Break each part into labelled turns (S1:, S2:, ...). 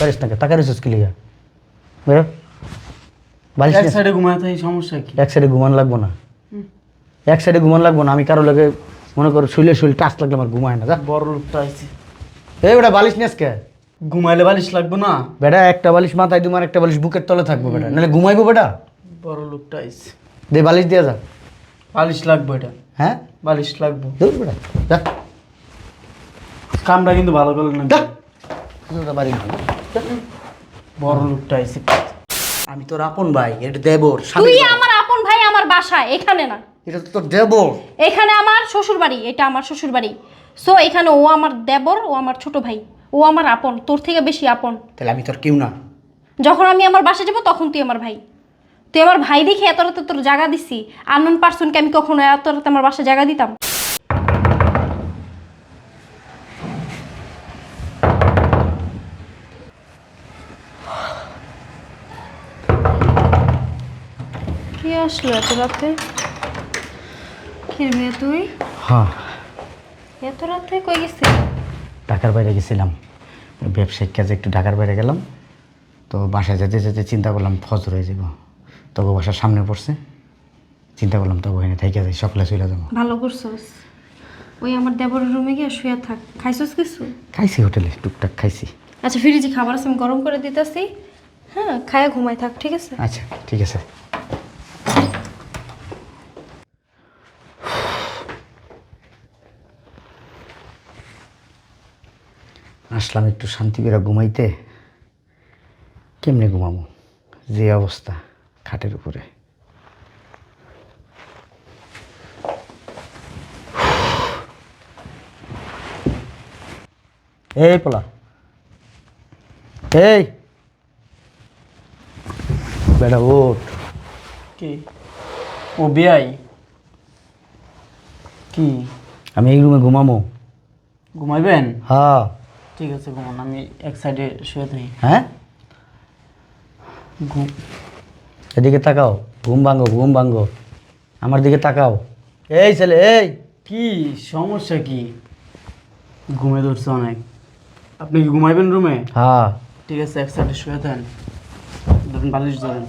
S1: পারিস না টাকা রিসোর্স কি লিগা বেরো বালিশ
S2: এক সাইডে ঘুমাতে এই সমস্যা কি?
S1: এক সাইডে ঘুমান লাগবো না এক সাইডে ঘুমান লাগবো না আমি কারো লাগে মনে করো শুইলে টাচ লাগলে আমার ঘুমায় না যা
S2: বড় লোকটা আইছে।
S1: এই বেটা বালিশ নিয়ে আজকে
S2: ঘুমাইলে বালিশ লাগবে না?
S1: বেটা একটা বালিশ মাথায় দুমার একটা বালিশ বুকের তলে থাকবো বেটা নাহলে ঘুমাইবো বেটা
S2: বড় লোকটা আইছে।
S1: দে বালিশ দিয়ে যা
S2: বালিশ লাগবে এটা।
S1: হ্যাঁ
S2: বালিশ লাগবে।
S1: দূর বেটা যা
S2: কামটা কিন্তু ভালো করলেন না।
S1: যা যা বাড়ি যা।
S2: বড় লোকটা আইছে।
S1: আমি তোর আপন ভাই এটা দেবর
S3: তুই আমার আপন ভাই আমার বাসায় এখানে না,
S1: এটা তো তোর দেবর
S3: এখানে আমার শ্বশুর বাড়ি, এটা আমার শ্বশুর বাড়ি। সো এখানে ও আমার দেবর, ও আমার ছোট ভাই, ও আমার আপন, তোর থেকে বেশি আপন।
S1: তাহলে আমি তোর কেউ না
S3: যখন আমি আমার বাসায় যাবো তখন তুই আমার ভাই। তুই আমার ভাই দেখে এত রাতে তোর জায়গা দিছি। আননোন পার্সনকে আমি কখনো এত রাতে আমার বাসায় জায়গা দিতাম? কে আসলো এত রাতে? কে রে তুই?
S1: হ্যাঁ
S3: এত রাতে কই গেছিস?
S1: ঢাকার বাইরে গেছিলাম ব্যবসায়িক কাজে একটু ঢাকার বাইরে গেলাম তো বাসায় যেতে যেতে চিন্তা করলাম ফজর হয়ে যাব তবু বাসার সামনে পড়ছে চিন্তা করলাম তবু এখানে থেকে যাই সকালে চলে যাবো
S3: ভালো করছস। ওই আমার দেবরের রুমে গিয়ে শুয়ে থাক। খাইছস কিছু?
S1: খাইছি হোটেলে টুকটাক খাইছি
S3: আচ্ছা ফ্রিজে খাবার আছে, আমি গরম করে দিতেছি। হ্যাঁ খায়া ঘুমাই থাক, ঠিক আছে?
S1: আচ্ছা ঠিক আছে আসলাম একটু শান্তি করে ঘুমাইতে কেমনে ঘুমাবো যে অবস্থা খাটের উপরে এই পোলা এই বেটা ওঠ
S2: কি? ও বিয়াই কি?
S1: আমি এই রুমে ঘুমামো
S2: ঘুমাইবেন?
S1: হ্যাঁ
S2: ঠিক আছে ঘুমান, আমি এক সাইডে শুয়ে থাকি।
S1: হ্যাঁ এদিকে তাকাও ঘুম ভাঙ্গো আমার দিকে তাকাও এই ছেলে এই
S2: কি সমস্যা কি? ঘুমে ধরছে অনেক। আপনি কি ঘুমাইবেন রুমে?
S1: হ্যাঁ
S2: ঠিক আছে এক সাইডে শুয়ে থাকেন, ধরুন বালিশ ধরেন।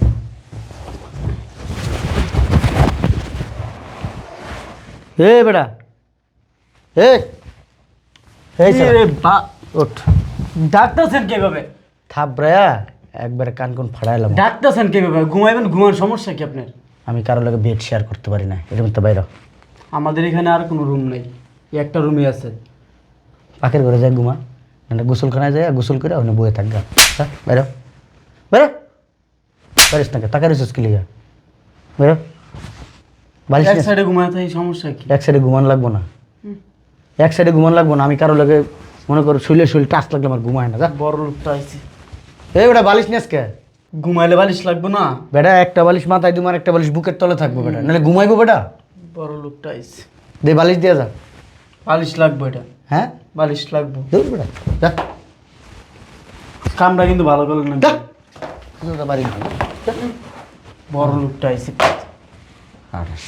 S1: এই বেটা এই এই ছেলে
S2: এরে বা
S1: ওঠ
S2: ডাকতেছেন কিভাবে?
S1: থাপড়ায়া একবারে কান কোন ফাড়াইলাম
S2: ডাকতেছেন কিভাবে? ঘুমাইবেন, ঘুমার সমস্যা কি আপনার?
S1: আমি কারো লাগে বেড শেয়ার করতে পারি না এরকম তো বাইরে
S2: আমাদের এখানে আর কোনো রুম নেই, এই একটা রুমই আছে।
S1: পাখির ঘরে যায় ঘুমা না গোসলখানায় যায় গোসল করে ওখানে বয়ে থাকগা বাইরে বাইরে পারিস না টাকা রিসোর্স কি লিগা বাইরে বালিশ
S2: এক সাইডে ঘুমাতে এই সমস্যা কি?
S1: এক সাইডে ঘুমান লাগবো না এক সাইডে ঘুমান লাগবো না আমি কারো লাগে মনে করো শুইলে টাচ লাগলে আমার ঘুমায় না যা
S2: বড় লোকটা আইছে।
S1: এই বেটা বালিশ নিয়ে আজকে
S2: ঘুমাইলে বালিশ লাগবে না?
S1: বেটা একটা বালিশ মাথায় দুমার একটা বালিশ বুকের তলে থাকবো বেটা নাহলে ঘুমাইবো বেটা
S2: বড় লোকটা আইছে।
S1: দে বালিশ দিয়ে যা
S2: বালিশ লাগবে এটা।
S1: হ্যাঁ
S2: বালিশ লাগবে।
S1: দূর বেটা যা
S2: কামটা কিন্তু ভালো করলেন না।
S1: যা যা বাড়ি যা।
S2: বড় লোকটা আইছে।
S1: আঠাশ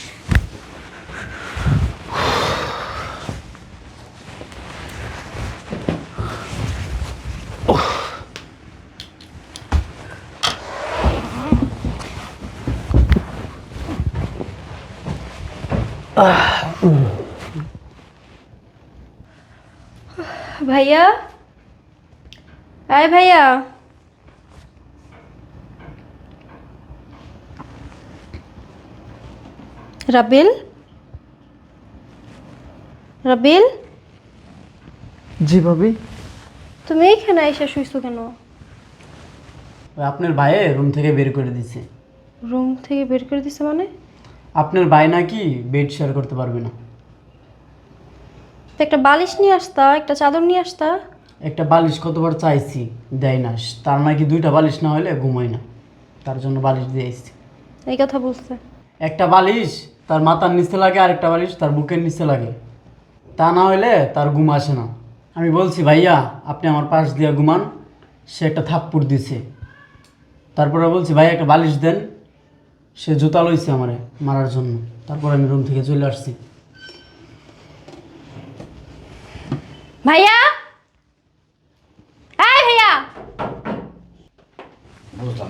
S3: ভাইয়া, আয় ভাইয়া। রাবিল, রাবিল
S2: জি ভাবি।
S3: তুমি এখানে এসে শুইছো কেন?
S2: আপনার ভাইয়ে রুম থেকে বের করে দিছে।
S3: রুম থেকে বের করে দিছে মানে?
S2: আপনার ভাই নাকি বেড শেয়ার করতে পারবে না।
S3: তো একটা বালিশ নিয়ে আসতা, একটা চাদর নিয়ে আসতা।
S2: একটা বালিশ কতবার চাইছি, দেয় না। তার নাকি দুইটা বালিশ না হলে ঘুমায় না, তার জন্য বালিশ দিয়ে এসেছি।
S3: এই কথা বলছে?
S2: একটা বালিশ তার মাথার নিচে লাগে, আর একটা বালিশ তার বুকের নিচে লাগে, তা না হলে তার ঘুম আসে না। আমি বলছি ভাইয়া আপনি আমার পাশ দিয়ে ঘুমান, সে একটা থাপ্পড় দিছে। তারপরে বলছি ভাইয়া একটা বালিশ দেন, সে জুতা লইছে আমারে মারার জন্য। তারপর আমি রুম থেকে চলে আসছি।
S3: ভাইয়া, এই ভাইয়া,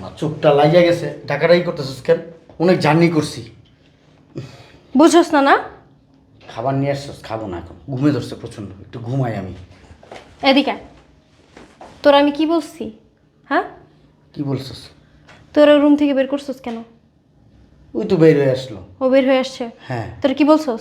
S1: শালা চোখটা লাগিয়া গেছে, টাকাটাই করতেছিস কেন? অনেক জার্নি করছি।
S3: বুঝছস না না?
S1: খাবার নিয়ে আসছিস, খাবো না এখন, ঘুমে ধরছে প্রচণ্ড, একটু ঘুমাই আমি।
S3: এদিকে আয়। তোর আমি কি বলছি? হ্যাঁ,
S1: কি বলছিস?
S3: তোর রুম থেকে বের করছস কেন?
S1: ওই তো বের হয়ে আসলো।
S3: ও বের হয়ে আসছে?
S1: হ্যাঁ।
S3: তোর কি বলছস?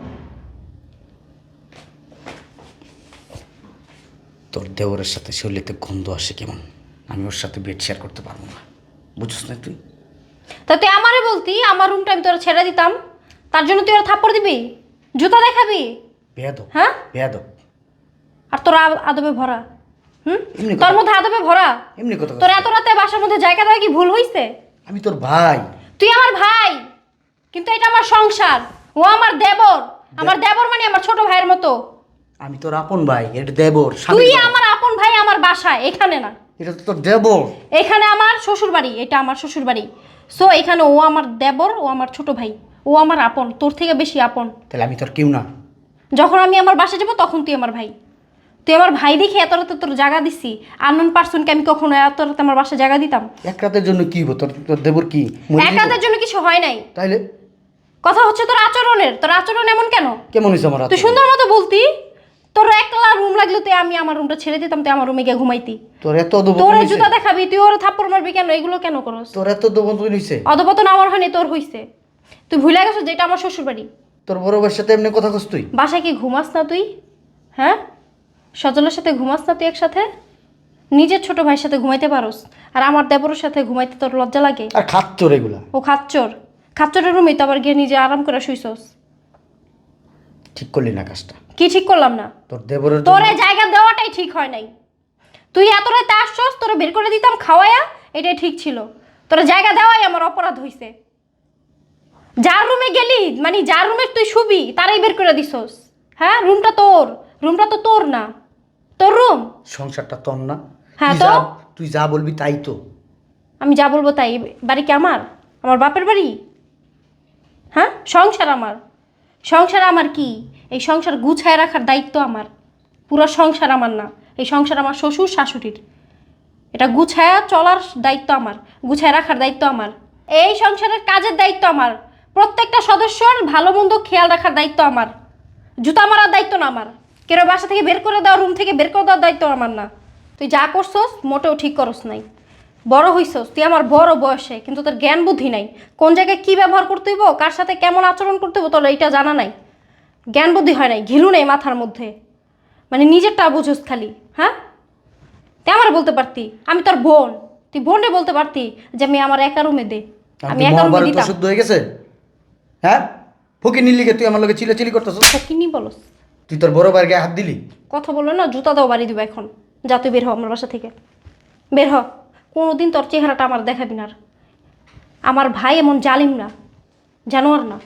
S1: তোর দেওরের সাথে শরীরেতে গন্ধ আসে কেমন, আমি ওর সাথে বেড শেয়ার করতে পারবো না, বুঝছিস না তুই?
S3: তা তুই আমারে বলতি আমার রুমটা আমি তোরা ছেড়ে দিতাম, তার জন্য তুই ওরা থাপ্পড় দিবি, জুতা দেখাবি?
S1: বেয়াদব,
S3: হ্যাঁ?
S1: বেয়াদব।
S3: আর তোর আদবে ভরা। হুম,
S1: এমনি
S3: তোর মধ্যে আদবে ভরা।
S1: এমনি কথা
S3: তোর
S1: বলছিস।
S3: এত রাতে বাসার মধ্যে জায়গা দেওয়া কি ভুল হইছে?
S1: আমি তোর ভাই।
S3: তুই আমার ভাই, কিন্তু এটা আমার সংসার। ও আমার দেবর, আমার দেবর মানে আমার ছোট ভাইয়ের মতো।
S1: আমি তোর আপন ভাই, এটা দেবর।
S3: তুই আমার আপন ভাই, আমার বাসায়, এখানে না।
S1: এটা তো তোর দেবর।
S3: এখানে আমার শ্বশুর বাড়ি, এটা আমার শ্বশুর বাড়ি। সো এখানে ও আমার দেবর, ও আমার ছোট ভাই, ও আমার আপন, তোর থেকে বেশি আপন।
S1: তাহলে আমি তোর কেউ না?
S3: যখন আমি আমার বাসায় যাবো তখন তুই আমার ভাই। তুই আমার ভাই দেখে এত রাতে তোর জায়গা দিছি। আননোন পার্সনকে আমি কখনো এত রাতে আমার বাসায় জায়গা দিতাম?
S1: এক রাতের জন্য কি হবো? তোর তোর দেবর কি মরে
S3: এক
S1: যাইবো?
S3: রাতের জন্য কিছু হয় নাই।
S1: তাইলে
S3: কথা হচ্ছে তোর আচরণের। তোর আচরণ এমন কেন?
S1: কেমন হয়েছে আমার
S3: তুই
S1: আচরণ?
S3: সুন্দর মতো বলতি, তোর একলা রুম লাগলে তুই আমি আমার রুমটা ছেড়ে দিতাম, তুই আমার রুমে গিয়ে ঘুমাইতি।
S1: তোর এত অধপতন
S3: তোর
S1: হইছে?
S3: জুতা দেখাবি, তুই ওর থাপ্পড় মারবি কেন? এগুলো কেন করস?
S1: তোর এত অধপতন হইছে?
S3: অধপতন আমার হয়নি, তোর হইছে। তুই ভুলে গেছিস যেটা আমার শ্বশুর বাড়ি।
S1: তোর বড় ভাইয়ের সাথে এমনি কথা কস তুই?
S3: বাসায় কি ঘুমাস না তুই? হ্যাঁ, সজলের সাথে ঘুমাস না তুই একসাথে? নিজের ছোট ভাইয়ের সাথে ঘুমাইতে পারোস, আর আমার দেবরের সাথে ঘুমাইতে তোর লজ্জা লাগে?
S1: আর খাচ্চর এগুলা।
S3: ও খাচ্চর, খাচ্চরের রুমে তো আবার গিয়ে নিজে আরাম করে শুইছস।
S1: ঠিক করলি না কাজটা।
S3: কি ঠিক করলাম না?
S1: তোর দেবরের
S3: তোর
S1: জন্য-
S3: এই জায়গা দেওয়াটাই ঠিক হয় নাই। তুই এত রাতে আসছস, তোরা বের করে দিতাম খাওয়ায়া, এটাই ঠিক ছিল। তোরা জায়গা দেওয়াই আমার অপরাধ হইছে। যার রুমে গেলি, মানে যার রুমে তুই শুবি তারাই বের করে দিছস। হ্যাঁ, রুমটা তোর, রুমটা তো তোর না, তোর রুম।
S1: সংসারটা তোর না?
S3: হ্যাঁ,
S1: তুই
S3: তো?
S1: তুই যা বলবি তাই তো।
S3: আমি যা বলবো তাই? বাড়ি কি আমার? আমার বাপের বাড়ি? হ্যাঁ, সংসার আমার। সংসার আমার কি? এই সংসার গুছায় রাখার দায়িত্ব আমার। পুরো সংসার আমার না, এই সংসার আমার শ্বশুর শাশুড়ির। এটা গুছায়া চলার দায়িত্ব আমার, গুছায় রাখার দায়িত্ব আমার। এই সংসারের কাজের দায়িত্ব আমার। প্রত্যেকটা সদস্যর ভালো মন্দ খেয়াল রাখার দায়িত্ব আমার। জুতা মারার দায়িত্ব না আমার। কেউ বাসা থেকে বের করে দেওয়া, রুম থেকে বের করে দেওয়ার দায়িত্ব আমার না। তুই যা করছস মোটেও ঠিক করস নাই। বড় হইছস তুই আমার বড় বয়সে, কিন্তু তোর জ্ঞান বুদ্ধি নাই। কোন জায়গায় কী ব্যবহার করতে হইব, কার সাথে কেমন আচরণ করতে হইব, তোর এইটা জানা নাই। জ্ঞান বুদ্ধি হয় নাই, ঘিলু নেই মাথার মধ্যে। মানে নিজেরটা বুঝোস খালি। হ্যাঁ, তুই আমার বলতে পারতি আমি তোর বোন, তুই বোনরে বলতে পারতি যে আমি আমার একা রুমে দে, আমি একা রুমে
S1: মহাভারত
S3: দিতাম।
S1: শুদ্ধ হয়ে গেছে? হ্যাঁ, ফকির নিলিকে তুই আমার লগে চিলাচিলি করতেছিস।
S3: কি নি বলস?
S1: তুই তোর বড় ভাইয়ের গায়ে হাত দিলি।
S3: কথা বললো না, জুতা দাও বাড়ি দিব এখন। যা তুই বের হ আমার বাসা থেকে, বের হ। কোনোদিন তোর চেহারাটা আমার দেখাবি না আর। আমার ভাই এমন জালিম না, জানোয়ার না।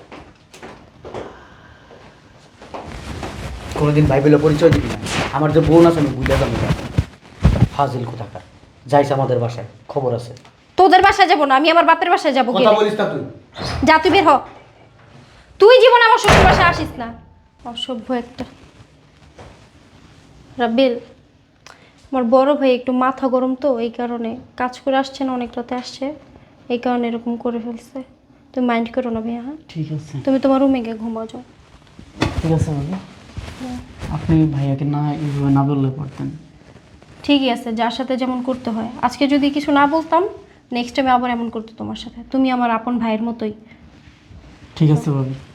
S1: কোনোদিন ভাই বলে পরিচয় দিবি না। আমার যে বোন আছে আমি বুঝে যাবো না। ফাজিল কোথাকার, যাইস আমাদের বাসায়, খবর আছে।
S3: তোদের বাসায় যাবো না, আমি আমার বাপের বাসায় যাবো।
S1: কথা বলিস না তুই।
S3: যা তুই বের হ। তুই জীবন আমার শ্বশুর বাসায় আসিস না, অসভ্য একটা। রাব্বিল, আমার বড় ভাই একটু মাথা গরম তো, এই কারণে কাজ করে আসছে না, অনেক রাতে আসছে, এই কারণে এরকম করে ফেলছে। তুমি মাইন্ড করো না ভাইয়া। হ্যাঁ,
S2: ঠিক আছে,
S3: তুমি তোমার রুমে গিয়ে ঘুমাও যাও।
S2: ঠিক আছে বাবু। আপনি ভাইয়াকে না এইভাবে না বললে পারতেন।
S3: ঠিকই আছে, যার সাথে যেমন করতে হয়। আজকে যদি কিছু না বলতাম, নেক্সট টাইমে আবার এমন করতো তোমার সাথে। তুমি আমার আপন ভাইয়ের মতোই।
S2: ঠিক আছে বাবু।